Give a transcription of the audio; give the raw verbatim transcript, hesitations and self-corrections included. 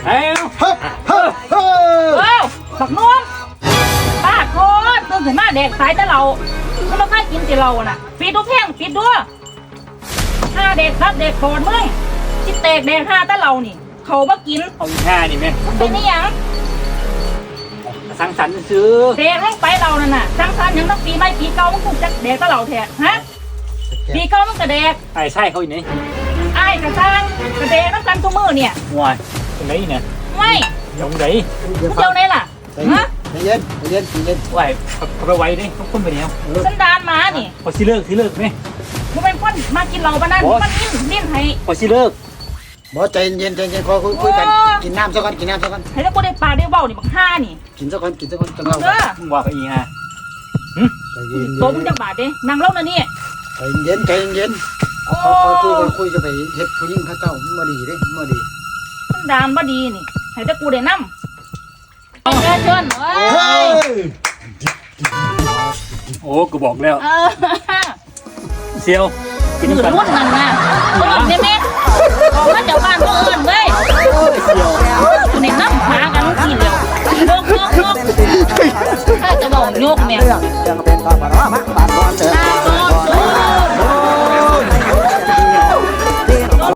เอ้าเฮ้ยเฮ้ยเฮ้ยเอ้าบักนุ่มป้าโคตรตื่นขึ้นมาแดกสายแต่เราก็มาค่ากินแต่เราน่ะปิดดูเพียงปิดด้วยห้าเด็กครับเด็กโผล่มึงจิตแตกแดกห้าแต่เรานี่เขามากินเอาอีกห้านี่แม่เป็นนี่ยังสังสรรค์ซื้อเด็กลงไปเรานั่นน่ะจังสันยังต้องปีใหม่ปีเก่ามึงถูกจักแดกแต่เราแท้ฮะปีเก่ามึงกระแดกไอ้ใช่เขาอีกไหนไอ้กระซังกระแดกน้ำกันทุกมือเนี่ยว้ายตรงไหนเนี่ยไม่ตรงไหนมึงเจ้าไหนล่ะฮะใจเย็นใจเย็นใจเย็นว้ายเขาไปไว้ดิเขาคนไปแล้วสันดานหมานี่พอสิเลิกสิเลิกไหมมึงเป็นคนมากินเหล้าบ้านนั้นมันนิ่มนิ่มให้พอสิเลิกบอใจเย็นใจเย็นขอคุยคุยกันกินน้ำสักก่อนกินน้ำสักก่อนให้ถ้ากูได้ปลาได้เบ้านี่บักห้านี่กินสักก่อนกินสักก่อนจังเราเด้อมึงว่าเขาอีกฮะใจเย็นตัวมึงจะบาดเด้นั่งเล่านะนี่ใจเย็นใจเย็นโอ้คุยคุยคุยจะไปเฮ็ดผู้หญิงข้าเจ้ามาดีเด้มาดีสันดานบ่ดีนี่ให้ถ้ากูได้นำเชิญเชิญเอ้เฮ้ยยโอ้กูบอกแล้วเออเซียวกินมือกันรุ่นนั่นนะรุ่นนี่แม่ออกมาจากบ้านก็เอิ้นเว้ยเซียวกูนี่นำหากันทีเดียวโยกโยกโยกถ้าจะบอกโยกแม่เรื่องเรื่องเป็นบ้าบ้าบ้าบ้าบ้าเถอะถ้า